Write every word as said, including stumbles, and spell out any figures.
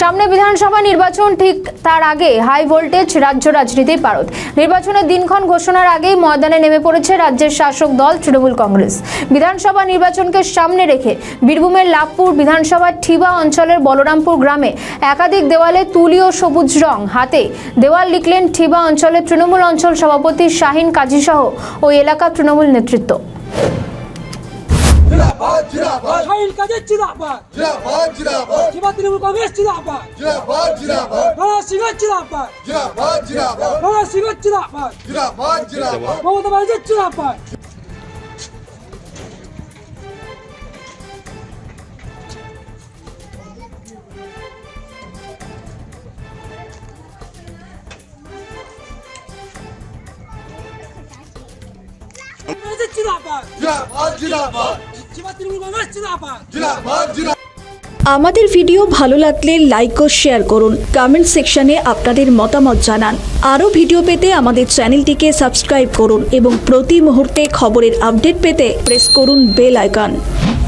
সামনে বিধানসভা নির্বাচন, ঠিক তার আগে হাই ভোল্টেজ রাজ্য রাজনীতির পারদ। নির্বাচনের দিনক্ষণ ঘোষণার আগেই ময়দানে নেমে পড়েছে রাজ্যের শাসক দল তৃণমূল কংগ্রেস। বিধানসভা নির্বাচনকে সামনে রেখে বীরভূমের লাভপুর বিধানসভার ঠিবা অঞ্চলের বলরামপুর গ্রামে একাধিক দেওয়ালে তুলি ও সবুজ রং হাতে দেওয়াল লিখলেন ঠিবা অঞ্চলের তৃণমূল অঞ্চল সভাপতি শাহিন কাজী সহ ওই এলাকার তৃণমূল নেতৃত্ব। जिंदाबाद जिंदाबाद शाहिन काजी जिंदाबाद जिंदाबाद जिंदाबाद जीवा तृणमूल कांग्रेस जिंदाबाद जिंदाबाद जिंदाबाद राणा सिंह जिंदाबाद जिंदाबाद जिंदाबाद राणा सिंह जिंदाबाद जिंदाबाद जिंदाबाद ममता बनर्जी जिंदाबाद। जिंदाबाद जिंदाबाद जिंदाबाद जीवा तृणमूल कांग्रेस जिंदाबाद जिंदाबाद जिंदाबाद। আমাদের ভিডিও ভালো লাগলে লাইক ও শেয়ার করুন, কমেন্ট সেকশনে আপনাদের মতামত জানান। আরও ভিডিও পেতে আমাদের চ্যানেলটিকে সাবস্ক্রাইব করুন এবং প্রতি মুহূর্তে খবরের আপডেট পেতে প্রেস করুন বেল আইকন।